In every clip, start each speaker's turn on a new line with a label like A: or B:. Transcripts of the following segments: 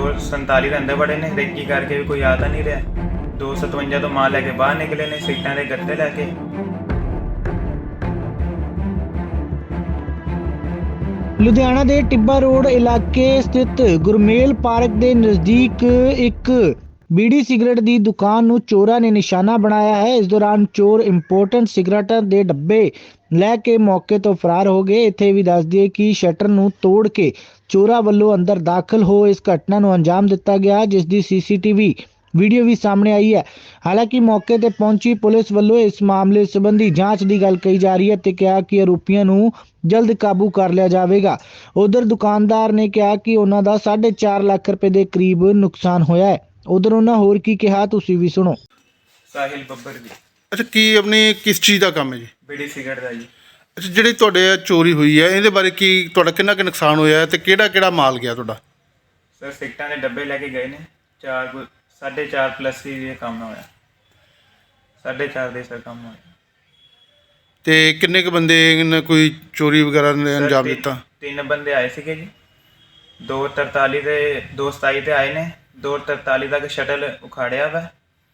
A: 247 ਦੇ ਅੰਦਰ ਵੜੇ ਨੇ, ਰੇਕੀ ਕਰਕੇ ਵੀ ਕੋਈ ਆ ਤਾਂ ਨਹੀਂ ਰਿਹਾ। 257 ਤੋਂ ਮਾਲ ਲੈ ਕੇ ਬਾਹਰ ਨਿਕਲੇ ਨੇ, ਸੀਟਾਂ ਦੇ ਗੱਤੇ ਲੈ ਕੇ।
B: ਲੁਧਿਆਣਾ ਦੇ ਟਿੱਬਾ ਰੋਡ ਇਲਾਕੇ ਸਥਿਤ ਗੁਰਮੇਲ ਪਾਰਕ ਦੇ ਨਜ਼ਦੀਕ ਇੱਕ ਬੀੜੀ ਸਿਗਰਟ ਦੀ ਦੁਕਾਨ ਨੂੰ ਚੋਰਾਂ ਨੇ ਨਿਸ਼ਾਨਾ ਬਣਾਇਆ ਹੈ। ਇਸ ਦੌਰਾਨ ਚੋਰ ਇੰਪੋਰਟੈਂਟ ਸਿਗਰਟਾਂ ਦੇ ਡੱਬੇ ਲੈ ਕੇ ਮੌਕੇ ਤੋਂ ਫਰਾਰ ਹੋ ਗਏ। ਇੱਥੇ ਵੀ ਦੱਸ ਦਈਏ ਕਿ ਸ਼ਟਰ ਨੂੰ ਤੋੜ ਕੇ ਚੋਰਾਂ ਵੱਲੋਂ ਅੰਦਰ ਦਾਖਲ ਹੋ ਇਸ ਘਟਨਾ ਨੂੰ ਅੰਜਾਮ ਦਿੱਤਾ ਗਿਆ, ਜਿਸ ਦੀ ਸੀਸੀਟੀਵੀ ਵੀਡੀਓ ਵੀ ਸਾਹਮਣੇ ਆਈ ਹੈ। ਹਾਲਾਂਕਿ ਮੌਕੇ ਤੇ ਪਹੁੰਚੀ ਪੁਲਿਸ ਵੱਲੋਂ ਇਸ ਮਾਮਲੇ ਸੰਬੰਧੀ ਜਾਂਚ ਦੀ ਗੱਲ ਕਹੀ ਜਾ ਰਹੀ ਹੈ ਤੇ ਕਿਹਾ ਕਿ ਆਰੋਪੀਆਂ ਨੂੰ ਜਲਦ ਕਾਬੂ ਕਰ ਲਿਆ ਜਾਵੇਗਾ। ਉਧਰ ਦੁਕਾਨਦਾਰ ਨੇ ਕਿਹਾ ਕਿ ਉਹਨਾਂ ਦਾ 4.5 ਲੱਖ ਰੁਪਏ ਦੇ ਕਰੀਬ ਨੁਕਸਾਨ ਹੋਇਆ ਹੈ। ਉਧਰ ਉਹਨਾਂ ਹੋਰ ਕੀ ਕਿਹਾ, ਤੁਸੀਂ ਵੀ ਸੁਣੋ।
A: ਸਾਹਿਲ ਬੱਬਰ ਜੀ।
C: ਅੱਛਾ, ਕੀ ਆਪਣੀ ਕਿਸ ਚੀਜ਼ ਦਾ ਕੰਮ ਹੈ ਜੀ?
A: ਬੀੜੀ ਸਿਗਰਟ ਦਾ ਜੀ।
C: ਅੱਛਾ, ਜਿਹੜੀ ਤੁਹਾਡੇ ਚੋਰੀ ਹੋਈ ਹੈ ਇਹਦੇ ਬਾਰੇ ਕੀ ਤੁਹਾਡਾ ਕਿੰਨਾ ਕੁ ਨੁਕਸਾਨ ਹੋਇਆ ਹੈ ਤੇ ਕਿਹੜਾ ਮਾਲ ਗਿਆ ਤੁਹਾਡਾ?
A: ਸਰ ਸਿਗਰਟਾਂ ਦੇ ਡੱਬੇ ਲੈ ਕੇ ਗਏ ਨੇ, 4.5 ਪਲੱਸ ਹੀ ਇਹ ਕੰਮ ਹੋਇਆ। 4.5 ਦੇ ਸਰ ਕੰਮ ਹੋਇਆ।
C: ਤੇ ਕਿੰਨੇ ਕੁ ਬੰਦੇ ਨੇ ਕੋਈ ਚੋਰੀ ਵਗੈਰਾ ਨੇ ਅੰਜਾਮ ਦਿੱਤਾ?
A: 3 ਬੰਦੇ ਆਏ ਸੀਗੇ ਜੀ। 243 ਤੇ 227 ਤੇ ਆਏ ਨੇ। 243 ਤੱਕ ਸ਼ਟਲ ਉਖਾੜਿਆ ਵਾ।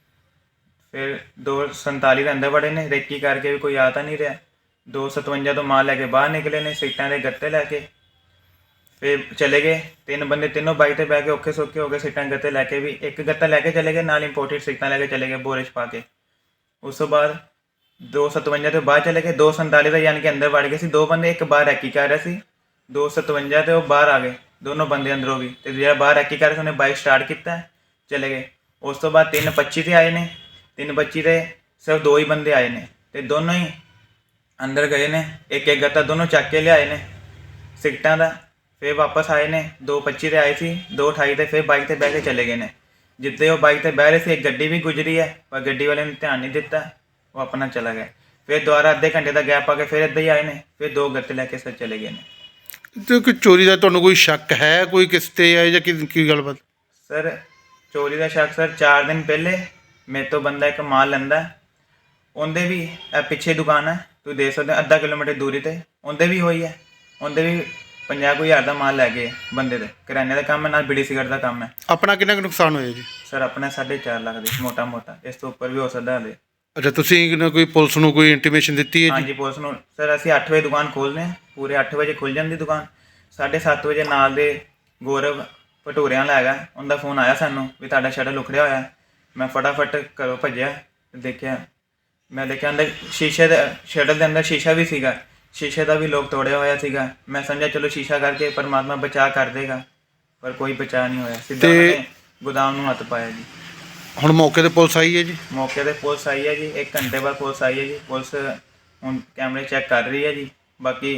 A: ਫਿਰ 247 ਦੇ ਅੰਦਰ ਵੜੇ ਨੇ, ਰੇਕੀ ਕਰਕੇ ਵੀ ਕੋਈ ਆ ਤਾਂ ਨਹੀਂ ਰਿਹਾ। 257 ਤੋਂ ਮਾਲ ਲੈ ਕੇ ਬਾਹਰ ਨਿਕਲੇ ਨੇ, ਸੀਟਾਂ ਦੇ ਗੱਤੇ ਲੈ ਕੇ। ਫਿਰ ਚਲੇ ਗਏ 3 ਬੰਦੇ, ਤਿੰਨੋਂ ਬਾਈਕ ਤੇ ਬਹਿ ਕੇ ਔਖੇ ਸੌਖੇ ਹੋ ਗਏ। ਸੀਟਾਂ ਗੱਤੇ ਲੈ ਕੇ ਵੀ, ਇੱਕ ਗੱਤਾ ਲੈ ਕੇ ਚਲੇ ਗਏ, ਨਾਲ ਇੰਪੋਰਟਡ ਸੀਟਾਂ ਲੈ ਕੇ ਚਲੇ ਗਏ ਬੋਰੇ 'ਚ ਪਾ ਕੇ। ਉਸ ਤੋਂ ਬਾਅਦ 257 ਤੋਂ ਬਾਹਰ ਚਲੇ ਗਏ। 247 ਦਾ ਯਾਨੀ ਕਿ ਅੰਦਰ ਵੜ ਗਏ ਸੀ 2 ਬੰਦੇ, ਇੱਕ ਬਾਹਰ ਰੈਕੀ ਕਰ ਰਿਹਾ ਸੀ। 257 ਤੇ ਉਹ ਬਾਹਰ ਆ ਗਏ, ਦੋਨੋਂ ਬੰਦੇ ਅੰਦਰੋਂ ਵੀ। ਤੇ ਜਿਹੜਾ ਬਾਹਰ ਰੈਕੀ ਕਰ ਰਿਹਾ ਸੀ ਉਹਨੇ ਬਾਈਕ ਸਟਾਰਟ ਕੀਤਾ, ਚਲੇ ਗਏ। ਉਸ ਤੋਂ ਬਾਅਦ 3:25 ਤੇ ਆਏ ਨੇ। 3:25 ਤੇ ਸਿਰਫ 2 ਹੀ ਬੰਦੇ ਆਏ ਨੇ ਤੇ ਦੋਨੋਂ ਹੀ ਅੰਦਰ ਗਏ ਨੇ। ਇੱਕ ਗੱਤਾ ਦੋਨੋਂ ਚੱਕ ਕੇ ਲਿਆਏ ਨੇ ਸਿਗਰਟਾਂ ਦਾ। ਫਿਰ ਵਾਪਸ ਆਏ ਨੇ। 2:25 ਤੇ ਆਏ ਸੀ, 2:28 ਤੇ ਫਿਰ ਬਾਈਕ ਤੇ ਬਹਿ ਕੇ ਚਲੇ ਗਏ ਨੇ। ਜਿੱਦੇ ਉਹ ਬਾਈਕ ਤੇ ਬਹਿ ਰਹੇ ਸੀ, ਇੱਕ ਗੱਡੀ ਵੀ ਗੁਜ਼ਰੀ ਹੈ ਪਰ ਗੱਡੀ ਵਾਲੇ ਨੇ ਧਿਆਨ ਨਹੀਂ ਦਿੱਤਾ, ਉਹ ਆਪਣਾ ਚਲਾ ਗਿਆ। ਫਿਰ ਦੁਬਾਰਾ ਅੱਧੇ ਘੰਟੇ ਦਾ ਗੈਪ ਆ ਕੇ ਫਿਰ ਇੱਦਾਂ ਹੀ ਆਏ ਨੇ। ਫਿਰ 2 ਗੱਤੇ ਲੈ ਕੇ ਸਰ ਚਲੇ ਗਏ ਨੇ।
C: ਤੇ ਕੋਈ ਚੋਰੀ ਦਾ ਤੁਹਾਨੂੰ ਕੋਈ ਸ਼ੱਕ ਹੈ, ਕੋਈ ਕਿਸ ਤੇ ਹੈ ਜਾਂ ਕੀ ਗੱਲਬਾਤ?
A: ਸਰ ਚੋਰੀ ਦਾ ਸ਼ੱਕ ਸਰ 4 ਦਿਨ ਪਹਿਲੇ ਮੇਰੇ ਤੋਂ ਬੰਦਾ ਇੱਕ ਮਾਲ ਲੈਂਦਾ। ਉਹਦੇ ਵੀ ਪਿੱਛੇ ਦੁਕਾਨ ਹੈ, ਤੁਸੀਂ ਦੇਖ ਸਕਦੇ ਹੋ, ਅੱਧਾ ਕਿਲੋਮੀਟਰ ਦੂਰੀ ਤੇ ਉਹਦੇ ਵੀ ਹੋਈ ਹੈ। ਉਹਦੇ ਵੀ 50,000 ਦਾ ਮਾਲ ਲੈ ਗਏ ਬੰਦੇ ਦੇ। ਕਰਿਆਨੇ ਦਾ ਕੰਮ ਹੈ, ਨਾਲ ਬੀੜੀ ਸਿਗਰਟ ਦਾ ਕੰਮ ਹੈ।
C: ਆਪਣਾ ਕਿੰਨਾ ਕੁ ਨੁਕਸਾਨ ਹੋਇਆ ਜੀ?
A: ਸਰ ਆਪਣਾ 4.5 ਲੱਖ ਦੇ ਮੋਟਾ, ਇਸ ਤੋਂ ਉੱਪਰ ਵੀ ਹੋ ਸਕਦਾ ਹਲੇ।
C: ਅੱਛਾ, ਤੁਸੀਂ ਕੋਈ ਪੁਲਿਸ ਨੂੰ ਕੋਈ ਇੰਟੀਮੇਸ਼ਨ ਦਿੱਤੀ ਹੈ ਜੀ?
A: ਹਾਂਜੀ, ਪੁਲਿਸ ਨੂੰ ਸਰ ਅਸੀਂ 8 ਵਜੇ ਦੁਕਾਨ ਖੋਲ੍ਹਦੇ ਹਾਂ। ਪੂਰੇ 8 ਵਜੇ ਖੁੱਲ੍ਹ ਜਾਂਦੀ ਦੁਕਾਨ। 7:30 ਵਜੇ ਨਾਲ ਦੇ ਗੌਰਵ ਭਟੂਰਿਆਂ ਵਾਲਾ ਹੈਗਾ, ਉਹਦਾ ਫੋਨ ਆਇਆ ਸਾਨੂੰ ਵੀ ਤੁਹਾਡਾ ਸ਼ਟਰ ਉਖੜਿਆ ਹੋਇਆ। ਮੈਂ ਫਟਾਫਟ ਘਰੋਂ ਭੱਜਿਆ, ਦੇਖਿਆ ਅੰਦਰ ਸ਼ੀਸ਼ੇ ਦੇ ਸ਼ਟਰ ਦੇ ਅੰਦਰ ਸ਼ੀਸ਼ਾ ਵੀ ਸੀਗਾ, ਸ਼ੀਸ਼ੇ ਦਾ ਵੀ ਲੋਕ ਤੋੜਿਆ ਹੋਇਆ ਸੀਗਾ। ਮੈਂ ਸਮਝਿਆ ਚਲੋ ਸ਼ੀਸ਼ਾ ਕਰਕੇ ਪਰਮਾਤਮਾ ਬਚਾਅ ਕਰ ਦੇਗਾ, ਪਰ ਕੋਈ ਬਚਾਅ ਨਹੀਂ ਹੋਇਆ। ਸਿੱਧਾ ਉਹਨੇ ਗੋਦਾਮ ਨੂੰ ਹੱਥ ਪਾਇਆ ਜੀ।
C: ਹੁਣ ਮੌਕੇ ਤੇ ਪੁਲਿਸ ਆਈ ਹੈ ਜੀ?
A: ਮੌਕੇ ਤੇ ਪੁਲਿਸ ਆਈ ਹੈ ਜੀ। 1 ਘੰਟੇ ਬਾਅਦ ਪੁਲਿਸ ਆਈ ਹੈ ਜੀ। ਪੁਲਿਸ ਹੁਣ ਕੈਮਰੇ ਚੈੱਕ ਕਰ ਰਹੀ ਹੈ ਜੀ। ਬਾਕੀ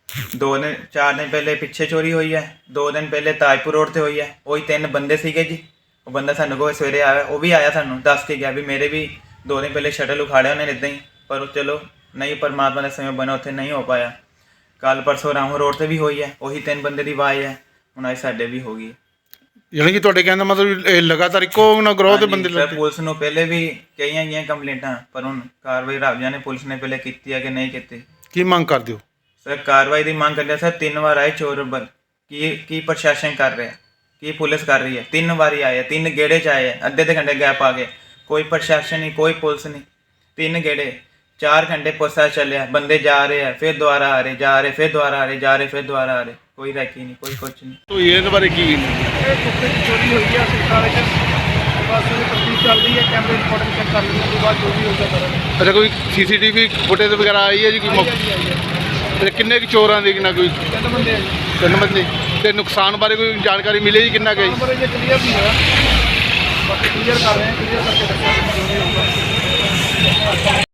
A: 4 ਦਿਨ ਪਹਿਲੇ ਪਿੱਛੇ ਚੋਰੀ ਹੋਈ ਹੈ। 2 ਦਿਨ ਪਹਿਲੇ ਤਾਜਪੁਰ ਰੋਡ ਤੇ ਹੋਈ ਹੈ। ਉਹੀ 3 ਬੰਦੇ ਸੀਗੇ ਜੀ। ਉਹ ਬੰਦਾ ਸਾਨੂੰ ਕੋਲ ਸਵੇਰੇ ਆਇਆ, ਉਹ ਵੀ ਆਇਆ ਸਾਨੂੰ ਦੱਸ ਕੇ ਗਿਆ ਵੀ ਮੇਰੇ ਵੀ 2 ਦਿਨ ਪਹਿਲੇ ਸ਼ਟਲ ਉਖਾੜਿਆ ਉਹਨੇ ਇੱਦਾਂ ਹੀ, ਪਰ ਉਹ ਚਲੋ ਨਹੀਂ, ਪਰਮਾਤਮਾ ਦਾ ਸਮੇਂ ਬਣਾ, ਉੱਥੇ ਨਹੀਂ ਹੋ ਪਾਇਆ। ਕੱਲ ਪਰਸੋਂ ਰਾਮੂ ਰੋਡ ਤੇ ਵੀ ਹੋਈ ਹੈ, ਉਹੀ 3 ਬੰਦੇ ਦੀ ਆਵਾਜ਼ ਹੈ। ਹੁਣ ਅੱਜ ਸਾਡੇ ਵੀ ਹੋ ਗਈ।
C: ਯਾਨੀ ਕਿ ਤੁਹਾਡੇ ਕਹਿਣ ਦਾ ਮਤਲਬ ਇਹ ਲਗਾਤਾਰ ਇੱਕੋ ਨਾ ਗਰੋਹ ਦੇ ਬੰਦੇ ਲੱਗੇ?
A: ਪੁਲਿਸ ਨੂੰ ਪਹਿਲੇ ਵੀ ਕਈਆਂ ਗਈਆਂ ਕੰਪਲੇਂਟਾਂ, ਪਰ ਹੁਣ ਕਾਰਵਾਈ ਰੱਬ ਜਾਣੇ ਪੁਲਿਸ ਨੇ ਪਹਿਲੇ ਕੀਤੀ ਹੈ ਕਿ ਨਹੀਂ ਕੀਤੀ।
C: ਕੀ ਮੰਗ ਕਰਦੇ ਹੋ?
A: ਸਰ ਕਾਰਵਾਈ ਦੀ ਮੰਗ ਕਰਦੇ ਸਰ। 3 ਵਾਰ ਆਏ ਚੋਰ, ਕੀ ਪ੍ਰਸ਼ਾਸਨ ਕਰ ਰਿਹਾ, ਕੀ ਪੁਲਿਸ ਕਰ ਰਹੀ ਹੈ? 3 ਵਾਰੀ ਆਏ, 3 ਗੇੜੇ 'ਚ ਆਏ, ਅੱਧੇ ਘੰਟੇ ਗੈਪ ਆ ਗਏ। ਕੋਈ ਪ੍ਰਸ਼ਾਸਨ ਨਹੀਂ, ਕੋਈ ਪੁਲਿਸ ਨਹੀਂ। 3 ਗੇੜੇ, 4 ਘੰਟੇ ਪੁੱਛਾ ਚੱਲਿਆ, ਬੰਦੇ ਜਾ ਰਹੇ ਆ, ਫਿਰ ਦੁਬਾਰਾ ਆ ਰਹੇ, ਜਾ ਰਹੇ, ਫਿਰ ਦੁਬਾਰਾ ਆ ਰਹੇ, ਜਾ ਰਹੇ, ਫਿਰ ਦੁਬਾਰਾ ਆ ਰਹੇ। ਕੋਈ ਰੈਕੀ ਨਹੀਂ, ਕੋਈ ਕੁਛ ਨਹੀਂ।
C: ਤੋ ਇਹਦੇ ਬਾਰੇ ਕੀ?
D: ਇਹ ਕੁੱਤੇ ਦੀ ਚੋਰੀ ਹੋਈ ਹੈ ਸਿਕਾਲੇ 'ਚ। ਬਸ ਉਹ ਤਫਤੀਸ਼ ਚੱਲ ਰਹੀ ਹੈ, ਕੈਮਰੇ ਰਿਕਾਰਡਿੰਗ ਚੈੱਕ ਕਰ ਲੈਣ ਤੋਂ ਬਾਅਦ ਜੋ ਵੀ ਹੋਊਗਾ ਕਰਾਂਗੇ।
C: ਅੱਛਾ, ਕੋਈ ਸੀਸੀਟੀਵੀ ਫੁਟੇਜ ਵਗੈਰਾ ਆਈ ਹੈ ਜੀ? ਕੋਈ ਤੇ ਕਿੰਨੇ ਕੁ ਚੋਰਾਂ ਦੇ ਕਿੰਨਾ ਕੋਈ?
D: 3 ਬੰਦੇ ਆ ਜੀ।
C: 3 ਬੰਦੇ। ਤੇ ਨੁਕਸਾਨ ਬਾਰੇ ਕੋਈ ਜਾਣਕਾਰੀ ਮਿਲੀ ਜੀ ਕਿੰਨਾ ਗਈ?
D: ਨੰਬਰ ਜੇ ਕਲੀਅਰ ਨਹੀਂ ਹੋਇਆ, ਬਾਕੀ ਕਲੀਅਰ ਕਰ ਰਹੇ ਹਾਂ, ਕਲੀਅਰ ਕਰਕੇ ਦੱਸਾਂਗੇ ਜੋ ਵੀ ਹੋਊਗਾ।